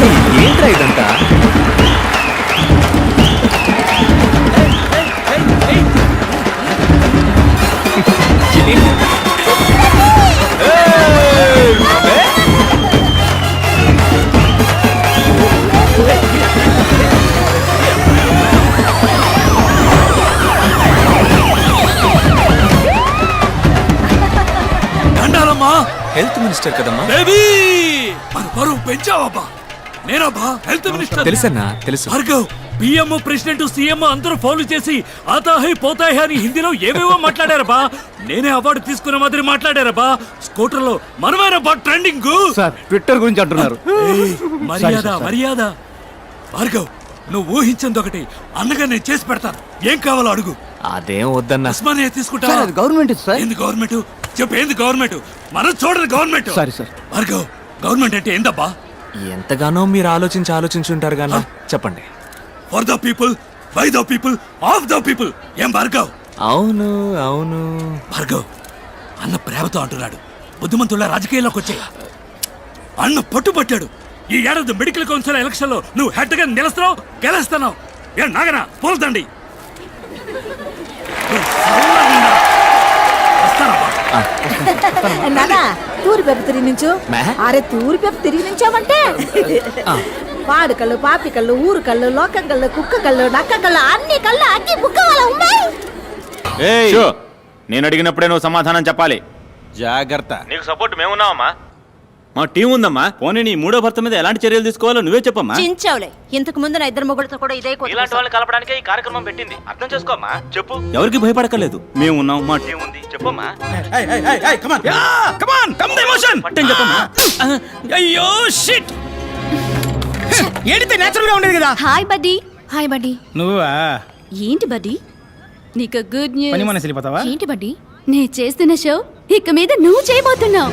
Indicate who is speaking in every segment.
Speaker 1: ఏంట్రా ఇదంతా? Health minister కదమ్మా.
Speaker 2: బేబీ మన పరువు పెంచావబ్బా. నేనబ్బా హెల్త్ మినిస్టర్.
Speaker 1: తెలుసన్నా, తెలుసు.
Speaker 2: భార్గవ్, పిఎం ప్రెసిడెంట్ సీఎం అందరూ ఫౌలు చేసి ఆతాహై పోతాహై అని హిందీలో ఏవేవో మాట్లాడారబ్బా. నేనే అవార్డు తీసుకునే మాదిరి మాట్లాడారబ్బా. స్కూటర్ లో మనమేనబ్బా ట్రెండింగ్.
Speaker 3: సార్ ట్విట్టర్ గురించి అంటున్నారు.
Speaker 2: మర్యాద మర్యాద. భార్గవ్, నువ్వు ఊహించింది ఒకటి, అన్నగా నేను చేసి పెడతాను. ఏం కావాలో అడుగు.
Speaker 1: అదేం వద్దన్నా.
Speaker 2: ఉస్మానియా తీసుకుంటా.
Speaker 3: Government sir.
Speaker 2: ఏంది గవర్నమెంట్? చెప్పు, ఏంది గవర్నమెంట్? మనం చూడరు government.
Speaker 3: Sorry sir.
Speaker 2: Bhargav, government అంటే ఏందబ్బా?
Speaker 1: ఎంతగానో మీరు ఆలోచించుంటారు గానా. చెప్పండి.
Speaker 2: For the people, by the people, of the people. ఏం భార్గవ్?
Speaker 1: అవును అవును.
Speaker 2: భార్గవ్, అన్న ప్రేమతో అంటున్నాడు. బుద్ధిమంతుల రాజకీయాల్లోకి వచ్చే అన్న పట్టుబట్టాడు. ఈ ఏడాది మెడికల్ కౌన్సిల్ ఎలక్షన్ లో నువ్వు హెడ్ గా నిలుస్తున్నావు, గెలుస్తున్నావు. ఏ నాగనా పోల్తండి.
Speaker 4: నానా తూరి పెప్పు తిరిగి నుంచు. అరే తూరి పెప్పు తిరిగి నుంచామంటే వాడు కళ్ళు, పాపి కళ్ళు, ఊరు కళ్ళు, లోకం కళ్ళు, కుక్క కళ్ళు, నక్క కళ్ళు, అన్ని కళ్ళు అన్ని బుక్క వాళ్ళ ఉన్నాయి.
Speaker 5: నేను అడిగినప్పుడే నువ్వు సమాధానం చెప్పాలి.
Speaker 3: జాగ్రత్త.
Speaker 5: నీకు సపోర్ట్ మేమున్నావమ్మా. మా టీం ఉందమ్మా. పోనీ నీ మూడో భర్త మీద ఎలాంటి చర్యలు తీసుకోవాలో నువ్వే చెప్పమ్మా.
Speaker 4: చించావులే. ఇంతకు ముందు నా ఇద్దరు మొగుడుతో కూడా ఇదే
Speaker 5: ఇలాంటి వాళ్ళని కలపడానికే ఈ కార్యక్రమం పెట్టింది. అర్థం చేసుకోమ్మా. చెప్పు. ఎవరికి భయపడకలేదు. మేము ఉన్నాం, మా టీం ఉంది. చెప్పమ్మా. పట్టని చెప్పమ్మా.
Speaker 6: అయ్యో షిట్. ఏడితే నేచురల్ గా ఉండేది కదా.
Speaker 7: Hi buddy. Hi buddy.
Speaker 6: నువ్వా?
Speaker 7: ఏంటి బడ్డీ, నీకు గుడ్ న్యూస్.
Speaker 6: పని మనసు వెళ్ళిపోతావా?
Speaker 7: ఏంటి బడ్డీ, నేను చేస్తున్న షో ఇక మీద నువ్వు చేయబోతున్నావు.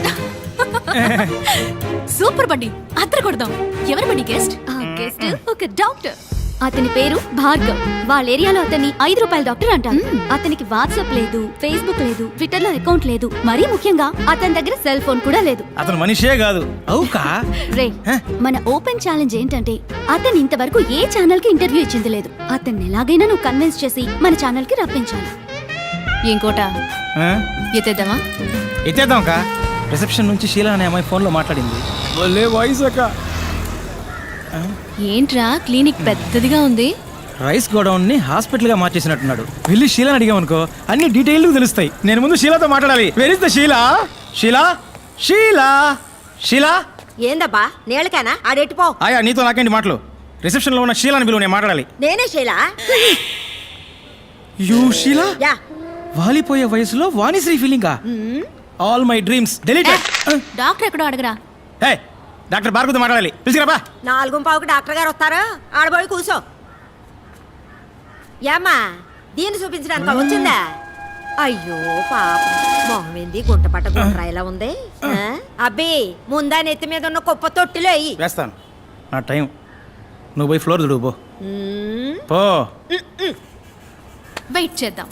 Speaker 7: సూపర్ బడ్డీ, అద్దర కొడదాం. ఎవరు బడ్డీ గెస్ట్? గెస్ట్ ఒక డాక్టర్. అతని పేరు భార్గవ్. వాళ్ళ ఏరియాలో అతన్ని 5 రూపాయల డాక్టర్ అంటారు. అతనికి వాట్సాప్ లేదు, ఫేస్బుక్ లేదు, ట్విట్టర్ లో అకౌంట్ లేదు. మరీ ముఖ్యంగా అతని దగ్గర సెల్ ఫోన్ కూడా లేదు.
Speaker 6: అతను మనిషే కాదు. అవుకా
Speaker 7: రే, మన ఓపెన్ ఛాలెంజ్ ఏంటంటే అతను ఇంతవరకు ఏ ఛానల్ కి ఇంటర్వ్యూ ఇచ్చింది లేదు. అతన్ని ఎలాగైనా నువ్వు కన్విన్స్ చేసి మన ఛానల్ కి రప్పించాలి. ఇంకోట ఎత్తేద్దామా?
Speaker 6: ఎత్తేద్దాం కా. రిసెప్షన్ నుంచి షీలా అనే అమ్మాయి ఫోన్ లో మాట్లాడింది. వాయిస్ అక్క.
Speaker 7: ఏంట్రా క్లినిక్ పెద్దదిగా ఉంది.
Speaker 6: రైస్ గోడౌన్ ని హాస్పిటల్ గా మార్చేసినట్టున్నాడు. వెళ్ళి షీలాని అడిగామనుకో అన్ని డీటెయిల్ తెలుస్తాయి. నేను ముందు షీలాతో మాట్లాడాలి. Where is the Sheela? Sheela Sheela Sheela.
Speaker 4: ఏందబ్బా నేలకేనా? ఆడెట్టిపో.
Speaker 6: ఆయా నీతో నాకేంటి మాటలు? రిసెప్షన్ లో ఉన్న షీలాని బిలువ, నేను మాట్లాడాలి.
Speaker 4: నేనే శైలా.
Speaker 6: యూ షీలా?
Speaker 4: యా.
Speaker 6: వాలిపోయే వయసులో వాణిశ్రీ ఫీలింగా? All my dreams deleted.
Speaker 7: Doctor ఎక్కడో అడగరా.
Speaker 6: హే, డాక్టర్ భార్గవతో మాట్లాడాలి. పిలిచిరాబా.
Speaker 4: 4:15కి డాక్టర్ గారు వస్తారు. ఆడబోయి కూర్చో. ఏమ్మా దీన్ని చూపించడానికి వచ్చిందా? అయ్యో పాప, మొహం ఏంది గుంట పట్ట గుండ్రాయిలా ఉంది. అబ్బి ముందా నెత్తి మీద ఉన్న కుప్ప తొట్టిలో అయ్యి
Speaker 6: వేస్తాను. నా టైం. నువ్వు పోయి ఫ్లోర్ దుడువు పో. పో.
Speaker 7: వెయిట్ చేద్దాం.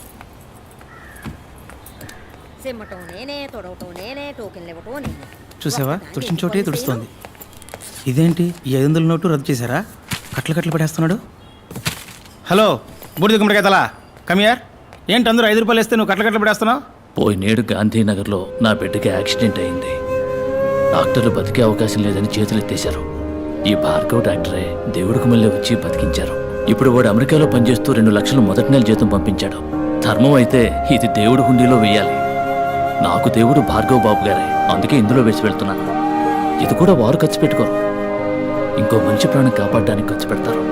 Speaker 4: సిమ్మటం నేనే, తొడవటం నేనే, టోకెన్లు ఇవ్వటం నేనే.
Speaker 6: చూసావా, తుడిచిన చోటే తుడుస్తోంది. ఇదేంటి, ఈ 500 నోటు రద్దు చేశారా? కట్లు కట్లు పడేస్తున్నాడు. హలో బూడిద గుమ్మడికాయ తలా, కమియార్. ఏంటి అందరూ 5 రూపాయలు వేస్తే నువ్వు కట్లు కట్లు పడేస్తున్నావు?
Speaker 8: పోయినేడు గాంధీనగర్లో నా బిడ్డకి యాక్సిడెంట్ అయింది. డాక్టర్లు బతికే అవకాశం లేదని చేతులు ఎత్తేశారు. ఈ భార్గవ్ డాక్టరే దేవుడికి మళ్ళీ వచ్చి బతికించారు. ఇప్పుడు వాడు అమెరికాలో పనిచేస్తూ 2 లక్షలు మొదటి నెల జీతం పంపించాడు. ధర్మం అయితే ఇది దేవుడి హుండీలో వేయాలి. నాకు దేవుడు భార్గవ్ బాబు గారే, అందుకే ఇందులో వేసి వెళ్తున్నాను. ఇది కూడా వారు ఖర్చు పెట్టుకోరు, ఇంకో మంచి ప్రాణం కాపాడడానికి ఖర్చు పెడతారు.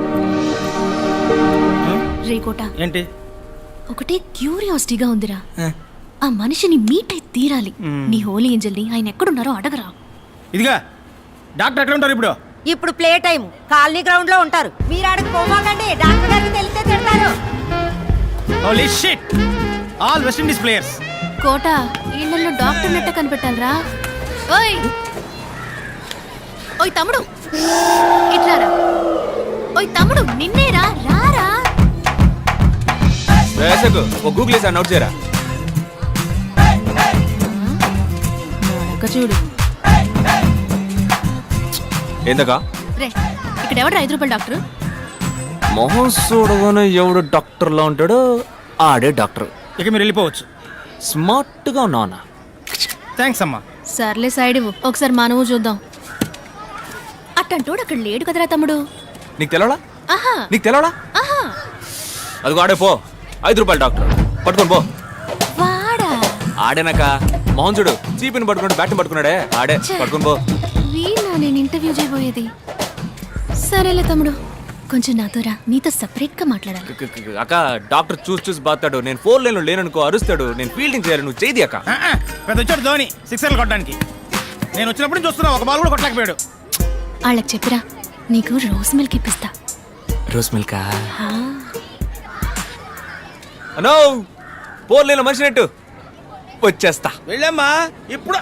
Speaker 7: రేకోట,
Speaker 6: ఏంటి?
Speaker 7: ఒకటే క్యూరియాసిటీగా ఉందిరా. ఆ మనిషిని మీట్ అయి తీరాలి. నీ హోలీ ఏంజల్ని ఆయన ఎక్కడున్నారో అడగరా.
Speaker 6: ఇదిగా డాక్టర్ ఎక్కడ ఉంటారు ఇప్పుడు?
Speaker 4: ఇప్పుడు ప్లే టైం కాలనీ గ్రౌండ్ లో ఉంటారు. మీరు ఆడకు పోమాకండి, డాక్టర్ గారికి తెలిస్తే తిడతారు.
Speaker 6: Holy shit, all West Indies players.
Speaker 7: Kota, ఇళ్లలో డాక్టర్ నెట్ట కనిపెట్టాలరా. ఓయ్ ఓయ్ తమ్ముడు, ఇట్లారా. ఓయ్ తమ్ముడు, నిన్నేరా, రారా.
Speaker 1: వేసకు ఓ గూగుల్ వేసి నోట్ చేయరా.
Speaker 7: చూడు
Speaker 1: ఏందకా?
Speaker 7: రే ఇక్కడ ఎవరు 5 రూపాయల డాక్టర్?
Speaker 1: మొహం చూడగానే ఎవడు డాక్టర్లా ఉంటాడో ఆడే డాక్టర్.
Speaker 6: ఇక మీరు వెళ్ళిపోవచ్చు.
Speaker 1: స్మార్ట్గా ఉన్నానా?
Speaker 6: థ్యాంక్స్ అమ్మా.
Speaker 7: సర్లే సైడ్ ఇవ్వు, ఒకసారి మానవు చూద్దాం. అట్టంటోడు అక్కడ లేడు కదరా తమ్ముడు.
Speaker 1: నీకు తెలవడా?
Speaker 7: ఆహా
Speaker 1: నీకు తెలవడా?
Speaker 7: ఆహా
Speaker 1: అదిగో ఆడే పో, 5 రూపాయల డాక్టర్ పట్టుకొని పో.
Speaker 7: వాడా
Speaker 1: ఆడేనాక మొహం చూడు, చీపిని పట్టుకున్నాడు, బ్యాట్ని పట్టుకున్నాడే ఆడే, పట్టుకొని పో.
Speaker 7: వీళ్ళ నేను ఇంటర్వ్యూ చేయబోయేది. సరేలే తమ్ముడు, కొంచెం నాతో రా, నీతో సపరేట్ గా మాట్లాడాలి.
Speaker 1: అక్క డాక్టర్ చూసి బాతాడు, నేను 4 లైన్లో లేననుకో అరుస్తాడు, నేను ఫీల్డింగ్ చేయాలి, నువ్వు చేయి అక్క.
Speaker 6: పెద్ద వచ్చాడు ధోని 6 కొట్టడానికి. నేను వచ్చినప్పుడు నుంచి చూస్తున్నా, ఒక బాల్ కూడా కొట్టలేకపోయాడు.
Speaker 7: వాళ్ళకి చెప్పిరా, నీకు రోజ్ మిల్క్ ఇప్పిస్తా.
Speaker 1: రోజ్ మిల్కా? అనో 4 లైన్లో మనిషినట్టు వచ్చేస్తా.
Speaker 6: వెళ్ళమ్మా ఇప్పుడు.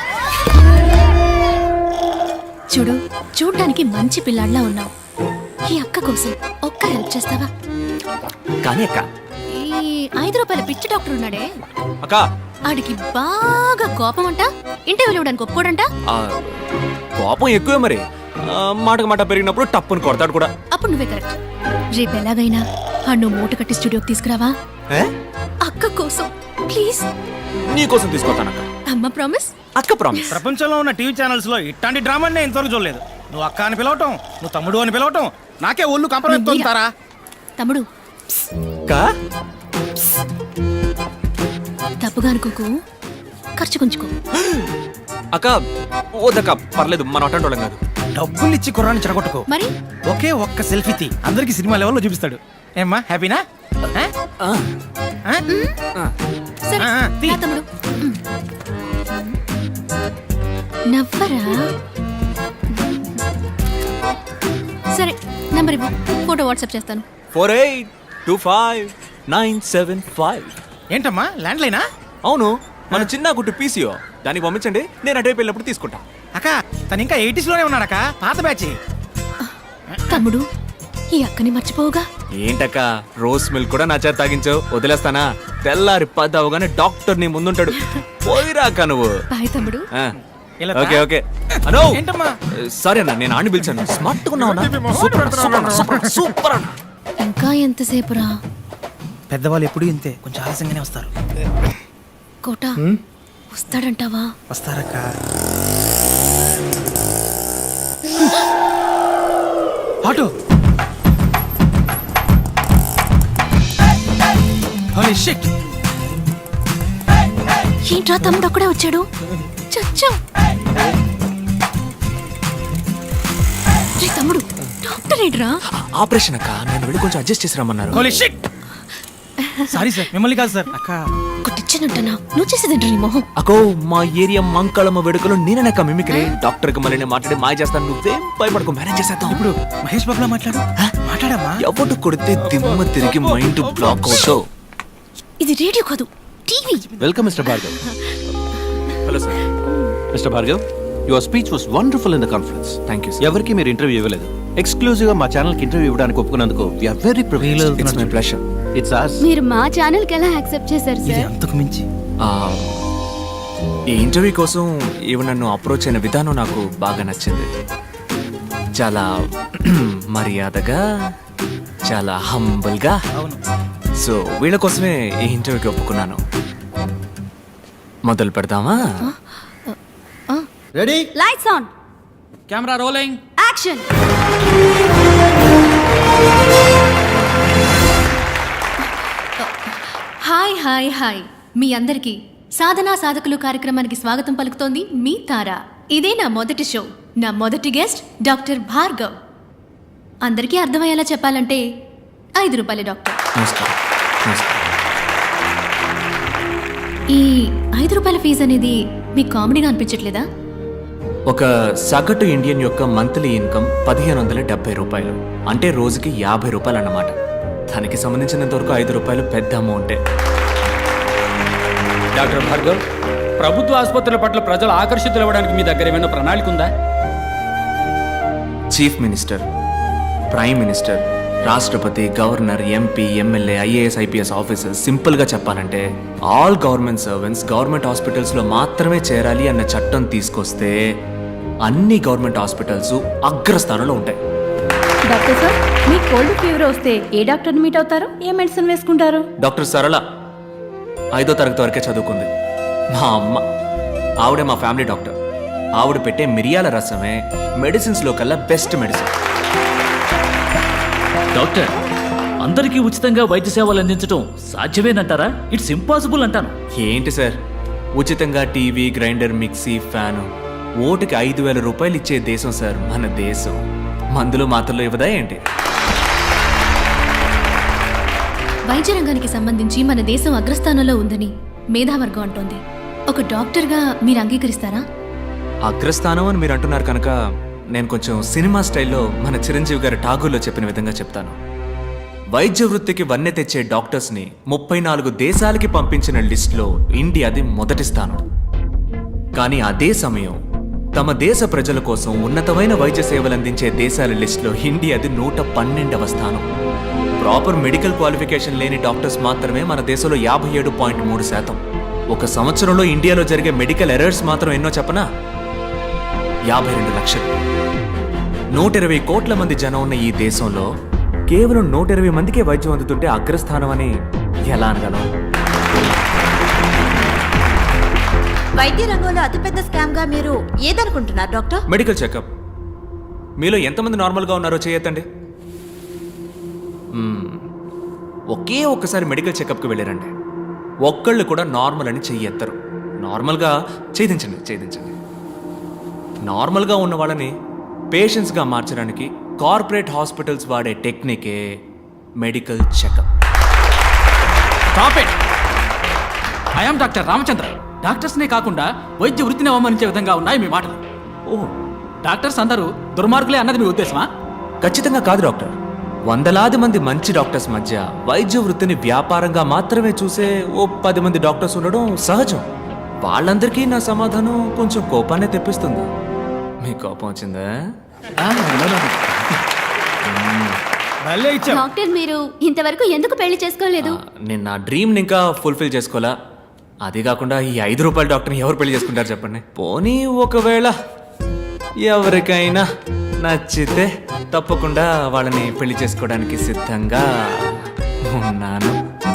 Speaker 7: చూడు, చూడ్డానికి మంచి పిల్లాడిలా ఉన్నావు. ఈ అక్క కోసం ఒక్క హెల్ప్ చేస్తావా?
Speaker 1: కానీ అక్క,
Speaker 7: ఈ 5 రూపాయల పిచ్చి డాక్టర్ ఉన్నాడే,
Speaker 1: అక్క
Speaker 7: ఆడికి బాగా కోపం అంట, ఇంటర్వ్యూలు ఇవ్వడానికి ఒప్పుకోడంట.
Speaker 1: ఆ, కోపం ఎక్కువే మరి. మాటకు మాట పెరిగినప్పుడు టప్పుని కొడతాడు కూడా.
Speaker 7: అప్పుడు నువ్వే కరెక్ట్. రేపు ఎలాగైనా నువ్వు మూట కట్టి స్టూడియోకి తీసుకురావా?
Speaker 1: ఏ?
Speaker 7: అక్క కోసం ప్లీజ్.
Speaker 1: నీ కోసం తీసుకొస్తానక్క.
Speaker 7: అమ్మ ప్రామిస్.
Speaker 1: అక్క ప్రామిస్.
Speaker 6: ప్రపంచంలో ఉన్న టీవీ ఛానల్స్ లో ఇట్లాంటి డ్రామా నేను ఇంతవరకు చూడలేదు. నువ్వు అక్క అని పిలవటం, నువ్వు తమ్ముడు అని పిలవటం, నాకే ఒళ్ళు కంపరెత్తుంటారా?
Speaker 7: తమ్ముడు
Speaker 1: కా
Speaker 7: తప్పుగా అనుకోకు, ఖర్చు కొంచుకో.
Speaker 1: అక్క ఓదక్క, పర్లేదు, మన అటెండ్ వాళ్ళం కాదు.
Speaker 6: డబ్బులు ఇచ్చి కుర్రాన్ని చెడగొట్టుకో.
Speaker 7: మరి
Speaker 6: ఒకే ఒక్క సెల్ఫీ తీ, అందరికి సినిమా లెవెల్లో చూపిస్తాడు. ఏమ్మా హ్యాపీనా?
Speaker 7: సరే
Speaker 6: తీ.
Speaker 7: రా తమ్ముడు. నవ్వరా? సరే నంబర్ ఇవ్వు, ఫోటో వాట్సాప్ చేస్తాను.
Speaker 1: 48259755.
Speaker 6: ఏంటమ్మా ల్యాండ్ లైనా?
Speaker 1: అవును, మన చిన్న గుట్టు పీసీఓ, దానికి పంపించండి, నేను అటువైపు వెళ్ళినప్పుడు తీసుకుంటా.
Speaker 6: అక్క తను ఇంకా 80s లోనే ఉన్నాడక్క, పాత బ్యాచ్.
Speaker 7: తమ్ముడు, ఈ అక్కని మర్చిపోవుగా.
Speaker 1: ఏంటక్క, రోజ్ మిల్క్ కూడా నా చేత తాగించావు, వదిలేస్తానా? తెల్లారి 10 అవగానే డాక్టర్ నీ ముందుంటాడు, పోయిరాక నువ్వు.
Speaker 7: బాయ్ తమ్ముడు.
Speaker 6: ఇలా
Speaker 1: ఓకే ఓకే. అనో
Speaker 6: ఏంటమ్మా?
Speaker 1: సరే అన్న, నేను ఆడిని పిలిచాను. స్మార్ట్ ఉన్నావు సూపర్ అన్న.
Speaker 7: ఇంకా ఎంతసేపురా?
Speaker 6: పెద్దవాళ్ళు ఎప్పుడు ఇంతే, కొంచెం ఆలస్యంగానే వస్తారు.
Speaker 7: కోట వస్తాడంటావా?
Speaker 6: వస్తారక్క. ఆటో. Holy shit.
Speaker 7: ఏంట్రా తమ్ముడు అక్కడే వచ్చాడు? చచ్చా. రే తమ్ముడు, డాక్టర్ ఏంట్రా?
Speaker 1: ఆపరేషన్ అక్క, నేను వెళ్ళి కొంచెం అడ్జస్ట్ చేసి రమ్మన్నారు.
Speaker 6: Holy shit. సారీ సార్, మిమ్మల్ని కాదు సార్. అక్క
Speaker 7: కొట్టించానంటనా? నువ్వు చేసేదేంట్రా నీ మొహం?
Speaker 1: అకో, మా ఏరియా మంకళమ్మ వేడుకలో నేనక్క మిమిక్రీ. డాక్టర్ కి మళ్ళీ నేను మాట్లాడి మాయ చేస్తాను, నువ్వేం భయపడకు, మేనేజ్ చేసేద్దాం.
Speaker 6: ఇప్పుడు మహేష్ బాబులా మాట్లాడమ్మా.
Speaker 1: ఎవరు కొడితే దిమ్మ తిరిగి మైండ్ బ్లాక్ అవుతావు.
Speaker 7: ఇది రేడియో కాదు, TV.
Speaker 3: Welcome mister Bhargav.
Speaker 1: Hello sir.
Speaker 3: Mister Bhargav, your speech was wonderful in the conference.
Speaker 1: Thank you.
Speaker 3: ఎవరికి మీరు ఇంటర్వ్యూ ఇవ్వలేదు. ఎక్స్క్లూజివ్ గా మా ఛానల్ కి ఇంటర్వ్యూ ఇవ్వడానికి ఒప్పుకున్నందుకు we are very privileged.
Speaker 1: It's my pleasure.
Speaker 3: It's ours.
Speaker 7: మీరు మా ఛానల్ కి ఎలా యాక్సెప్ట్ చేశారు
Speaker 6: ఇది
Speaker 7: సార్?
Speaker 6: అంతకు మించి.
Speaker 1: ఈ ఇంటర్వ్యూ కోసం ఈమె నన్ను అప్రోచ్ అయిన విధానం నాకు బాగా నచ్చింది. చాలా మర్యాదగా, చాలా హంబుల్గా.
Speaker 6: అవును.
Speaker 1: సో వీళ్ళ కోసమే ఈ ఇంటర్వ్యూకి ఒప్పుకున్నాను. మొదలు పెడదామా?
Speaker 3: Ready,
Speaker 7: lights on,
Speaker 8: camera rolling,
Speaker 7: action. Hi hi hi, మీ అందరికీ సాధనా సాధకులు కార్యక్రమానికి స్వాగతం పలుకుతోంది మీ తార. ఇదే నా మొదటి షో. నా మొదటి గెస్ట్ డాక్టర్ భార్గవ్. అందరికీ అర్థమయ్యేలా చెప్పాలంటే 5 రూపాయల డాక్టర్.
Speaker 1: నమస్కారం. నమస్కారం.
Speaker 7: ఈ 5 రూపాయల ఫీజు అనేది మీకు కామెడీగా అనిపించట్లేదా?
Speaker 1: ఒక సగటు ఇండియన్ యొక్క మంత్లీ ఇన్కమ్ 1570 రూపాయలు, అంటే రోజుకి 50 రూపాయలు అన్నమాట. దానికి సంబంధించినంత వరకు 5 రూపాయలు పెద్ద అమౌంటే.
Speaker 9: డాక్టర్ భార్గవ్, ప్రభుత్వ ఆసుపత్రుల పట్ల ప్రజలు ఆకర్షితులు అవ్వడానికి మీ దగ్గర ఏమైనా ప్రణాళిక ఉందా?
Speaker 1: చీఫ్ మినిస్టర్, ప్రైమ్ మినిస్టర్, రాష్ట్రపతి, governor, MP, MLA, IAS, IPS officers, సింపుల్గా చెప్పాలంటే ఆల్ గవర్నమెంట్ సర్వెంట్స్ గవర్నమెంట్ హాస్పిటల్స్లో మాత్రమే చేరాలి అన్న చట్టం తీసుకొస్తే అన్ని గవర్నమెంట్ హాస్పిటల్స్ అగ్రస్థానంలో ఉంటాయి.
Speaker 7: డాక్టర్ సార్ మీకు కోల్డ్ ఫీవర్ వస్తే ఏ డాక్టర్ని మీట్ అవుతారు, ఏ మెడిసిన్ వేసుకుంటారు?
Speaker 1: డాక్టర్ సరళ 5వ తరగతి వరకే చదువుకుంది. మా అమ్మ, ఆవిడే మా ఫ్యామిలీ డాక్టర్. ఆవిడ పెట్టే మిరియాల రసమే మెడిసిన్స్లో కల్లా బెస్ట్ మెడిసిన్.
Speaker 8: డాక్టర్, అందరికీ ఉచితంగా వైద్య సేవలు అందించడం సాధ్యమేనంటారా? ఇట్స్ ఇంపాసిబుల్ అంటాను.
Speaker 1: ఏంటి సార్, ఉచితంగా టీవీ, గ్రైండర్, మిక్సీ, ఫ్యాను ఓటుకి 5,000 రూపాయలు ఇచ్చే దేశం సార్ మన దేశం. మందులు మాత్రలు ఇవ్వదా ఏంటి?
Speaker 7: వైద్య రంగానికి సంబంధించి మన దేశం అగ్రస్థానంలో ఉందని మేధావర్గం అంటోంది. ఒక డాక్టర్గా మీరు అంగీకరిస్తారా?
Speaker 1: అగ్రస్థానం అని మీరు అంటున్నారు కనుక నేను కొంచెం సినిమా స్టైల్లో మన చిరంజీవి గారి ఠాగూర్లో చెప్పిన విధంగా చెప్తాను. వైద్య వృత్తికి వన్నె తెచ్చే డాక్టర్స్ని 34 దేశాలకి పంపించిన లిస్టులో ఇండియాది మొదటి స్థానం. కానీ అదే సమయం తమ దేశ ప్రజల కోసం ఉన్నతమైన వైద్య సేవలు అందించే దేశాల లిస్టులో ఇండియాది 112వ స్థానం. ప్రాపర్ మెడికల్ క్వాలిఫికేషన్ లేని డాక్టర్స్ మాత్రమే మన దేశంలో 57.3%. ఒక సంవత్సరంలో ఇండియాలో జరిగే మెడికల్ ఎర్రర్స్ మాత్రం ఎన్నో చెప్పనా? 52 లక్షలు. 120 కోట్ల మంది జనం ఉన్న ఈ దేశంలో కేవలం 120 మందికే వైద్యం అందుతుంటే అగ్రస్థానం అని ఎలా అనగలం?
Speaker 4: వైద్య రంగంలో అతిపెద్ద స్కామ్ గా మీరు ఏదనుకుంటున్నారు డాక్టర్?
Speaker 1: Medical checkup. మీలో ఎంతమంది నార్మల్గా ఉన్నారో చేయొద్దండి. ఒకే ఒక్కసారి మెడికల్ చెకప్కి వెళ్ళారండి, ఒక్కళ్ళు కూడా నార్మల్ అని చెయ్యెత్తరు. నార్మల్గా ఛేదించండి. నార్మల్గా ఉన్న వాళ్ళని పేషెంట్స్గా మార్చడానికి కార్పొరేట్ హాస్పిటల్స్ వాడే టెక్నికే medical checkup.
Speaker 9: Stop it. I'm doctor Ramachandra. డాక్టర్స్నే కాకుండా వైద్య వృత్తిని అవమానించే విధంగా ఉన్నాయి మీ మాటలు.
Speaker 1: ఓ,
Speaker 9: డాక్టర్స్ అందరూ దుర్మార్గులే అన్నది మీ ఉద్దేశమా?
Speaker 1: ఖచ్చితంగా కాదు డాక్టర్. వందలాది మంది మంచి డాక్టర్స్ మధ్య వైద్య వృత్తిని వ్యాపారంగా మాత్రమే చూసే ఓ 10 మంది డాక్టర్స్ ఉండడం సహజం. వాళ్ళందరికీ నా సమాధానం కొంచెం కోపాన్ని తెప్పిస్తుంది. మీ కోపం వచ్చిందా?
Speaker 6: భలే ఇచ్చావు.
Speaker 7: డాక్టర్, మీరు ఇంతవరకు ఎందుకు పెళ్లి చేసుకోలేదు?
Speaker 1: నేను నా డ్రీమ్ని ఇంకా ఫుల్ఫిల్ చేసుకోవాలా. అది కాకుండా ఈ 5 రూపాయల డాక్టర్ని ఎవరు పెళ్లి చేసుకుంటారు చెప్పండి? పోనీ ఒకవేళ ఎవరికైనా నచ్చితే తప్పకుండా వాళ్ళని పెళ్లి చేసుకోవడానికి సిద్ధంగా ఉన్నాను.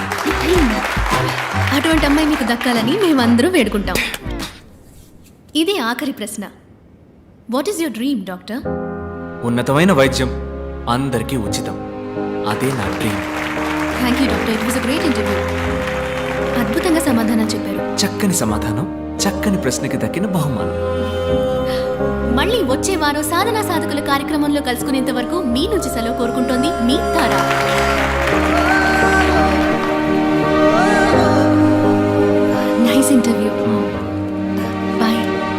Speaker 7: అటువంటి అమ్మాయి మీకు దక్కాలని మేమందరూ వేడుకుంటాం. ఇది ఆఖరి ప్రశ్న. What is your dream doctor?
Speaker 1: ఉన్నతమైన వైద్యం అందరికీ ఉచితం, అదే నా dream.
Speaker 7: Thank you doctor, it was a great interview. అద్భుతంగా సమాధానం చెప్పారు.
Speaker 1: చక్కని సమాధానం, చక్కని ప్రశ్నకి దక్కిన బహుమానం.
Speaker 7: మళ్ళీ వచ్చే వారం సాధనా సాధకుల కార్యక్రమంలో కలుసుకునేంత వరకు మీ నుంచి సెలవు కోరుకుంటోంది మీ తారా. Nice interview. బాయ్.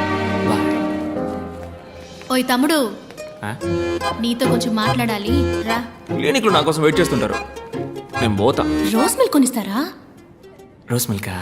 Speaker 7: ఓయ్ తమ్ముడు, నీతో కొంచెం మాట్లాడాలి, రా.
Speaker 1: క్లినిక్లో నా కోసం వెయిట్ చేస్తుంటారు, నేను పోతా.
Speaker 7: రోజ్ మిల్క్ కొనిస్తారా?
Speaker 1: రోజ్ మిల్కా?